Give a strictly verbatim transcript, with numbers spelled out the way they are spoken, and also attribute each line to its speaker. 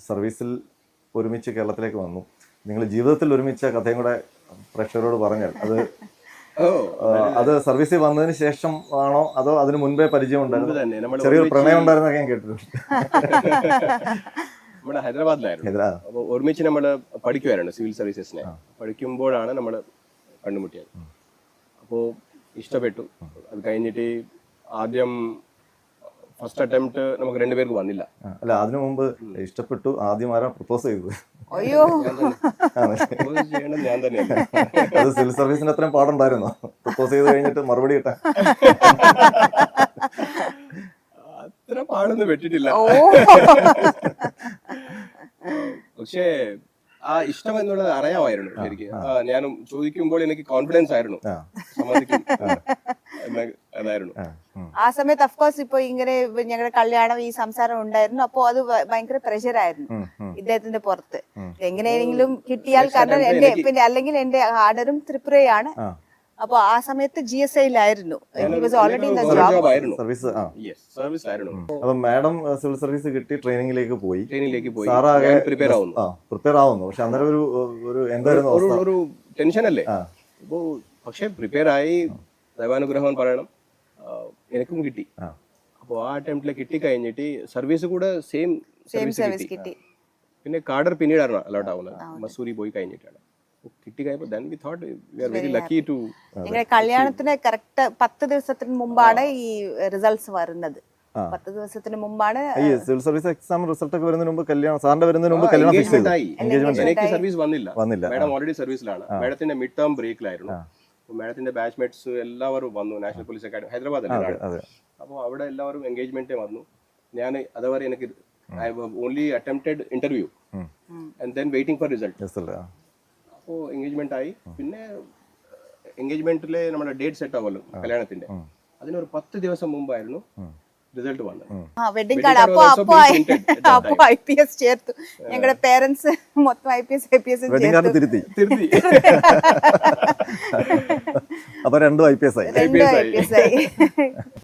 Speaker 1: സർവീസിൽ ഒരുമിച്ച് കേരളത്തിലേക്ക് വന്നു. നിങ്ങൾ ജീവിതത്തിൽ ഒരുമിച്ച കഥയും കൂടെ പ്രേക്ഷകരോട് പറഞ്ഞാൽ അത് അത് സർവീസിൽ വന്നതിന് ശേഷം ആണോ അതോ അതിന് മുൻപേ പരിചയം ഉണ്ടായിരുന്നു? ചെറിയൊരു പ്രണയം ഉണ്ടായിരുന്നൊക്കെ ഞാൻ കേട്ടിട്ടുണ്ട്.
Speaker 2: നമ്മുടെ ഹൈദരാബാദിലായിരുന്നു. അപ്പോൾ ഒരുമിച്ച് നമ്മൾ പഠിക്കുമായിരുന്നു സിവിൽ സർവീസസിനെ. പഠിക്കുമ്പോഴാണ് നമ്മൾ കണ്ടുമുട്ടിയത്. അപ്പോൾ ഇഷ്ടപ്പെട്ടു. അത് കഴിഞ്ഞിട്ട് ആദ്യം ഫസ്റ്റ് അറ്റംപ്റ്റ് നമുക്ക് രണ്ടുപേർക്ക് വന്നില്ല.
Speaker 1: അല്ല, അതിനു മുമ്പ് ഇഷ്ടപ്പെട്ടു ആദ്യം ആരാ പ്രപ്പോസ് ചെയ്തത്?
Speaker 3: അയ്യോ,
Speaker 2: ചെയ്യണത് ഞാൻ തന്നെയാണ്.
Speaker 1: അത് സിവിൽ സർവീസിന് അത്രയും പാടുണ്ടായിരുന്നോ പ്രപ്പോസ് ചെയ്ത് കഴിഞ്ഞിട്ട് മറുപടി കിട്ടാൻ?
Speaker 2: അത്ര പാടൊന്നും വെട്ടിട്ടില്ല. പക്ഷേ ആ ഇഷ്ടം എന്നുള്ളത് അറിയാമായിരുന്നു ശരിക്കും. ഞാനും ചോദിക്കുമ്പോൾ എനിക്ക് കോൺഫിഡൻസ് ആയിരുന്നു, സമ്മതിക്കും അതായിരുന്നു.
Speaker 3: ആ സമയത്ത് അഫ്കോഴ്സ് ഇപ്പൊ ഇങ്ങനെ ഞങ്ങളുടെ കല്യാണം ഈ സംസാരം ഉണ്ടായിരുന്നു. അപ്പൊ അത് ഭയങ്കര പ്രഷർ ആയിരുന്നു ഇദ്ദേഹത്തിന്റെ പുറത്ത്. എങ്ങനെയെങ്കിലും കിട്ടിയാൽ, കാരണം എന്റെ പിന്നെ അല്ലെങ്കിൽ എന്റെ ആർഡറും ത്രിപുരയാണ്. അപ്പൊ ആ സമയത്ത് ജി എസ് ഐയിലായിരുന്നു. ഓൾറെഡി
Speaker 1: അപ്പൊ മാഡം സിവിൽ സർവീസ് കിട്ടി ട്രെയിനിങ്ങിലേക്ക് പോയി.
Speaker 2: ട്രെയിനിങ്ങിലേക്ക് പോയി
Speaker 1: സാറാകെ
Speaker 2: പ്രിപ്പയർ ആവുന്നു
Speaker 1: പ്രിപ്പയർ ആവുന്നു പക്ഷെ അന്നേരം ഒരു ഒരു എന്തായിരുന്നു
Speaker 2: ഒരു ടെൻഷൻ അല്ലേ? അപ്പോ പക്ഷെ പ്രിപ്പയർ ആയി, ദൈവാനുഗ്രഹം പറയണം, എനിക്കും കിട്ടി. അപ്പോൾ ആ അറ്റംപ്റ്റിൽ കിട്ടി കഴിഞ്ഞിട്ട് സർവീസ് കൂടെ സെയിം സർവീസ് കിട്ടി. പിന്നെ കാഡർ പിന്നീടാണ് അലോട്ട് ആവുന്നത്, മസൂരി പോയി കഴിഞ്ഞിട്ടാണ് കിട്ടി.
Speaker 3: കല്യാണത്തിന് കറക്റ്റ് പത്ത് ദിവസത്തിന് മുമ്പാണ് ഈ റിസൾട്ട്സ് വരുന്നത്. പത്ത് ദിവസത്തിന് മുമ്പാണ്
Speaker 1: സിവിൽ സർവീസ് എക്സാം റിസൾട്ട് ഒക്കെ വരുന്നതിന് മുമ്പ് കല്യാണം സാറിന്റെ വരുന്നതിന് മുമ്പ് കല്യാണം ഫിക്സ് ചെയ്തു.
Speaker 2: എനിക്ക് സർവീസ് വന്നില്ല, വന്നില്ല. മാഡം ഓൾറെഡി സർവീസിലാണ്. മാഡത്തിന്റെ മിഡ് ടേം ബ്രേക്കിലായിരുന്നു. മാഡത്തിന്റെ ബാച്ച്മേറ്റ്സ് എല്ലാവരും വന്നു. National police academy Hyderabad. അപ്പോൾ അവിടെ എല്ലാവരും എൻഗേജ്മെന്റ് വന്നു. ഞാൻ അതുവരെ എനിക്ക് I only attempted interview and then waiting for result. അപ്പോൾ എൻഗേജ്മെന്റ് ആയി. പിന്നെ എൻഗേജ്മെന്റിലെ നമ്മുടെ ഡേറ്റ് സെറ്റ് ആവുമല്ലോ കല്യാണത്തിന്റെ, അതിനൊരു പത്ത് ദിവസം മുമ്പായിരുന്നു റിസൾട്ട് വന്നത്.
Speaker 3: വെഡിങ് കാർഡ് അപ്പൊ അപ്പൊ അപ്പൊ ഐ പി എസ് ചേർത്തു. ഞങ്ങളുടെ പേരൻസ് മൊത്തം I P S I P S
Speaker 1: തിരുത്തി തിരുത്തി അപ്പൊ രണ്ടും ഐ പി എസ് ആയി.
Speaker 3: രണ്ടും ഐ പി എസ് ആയി.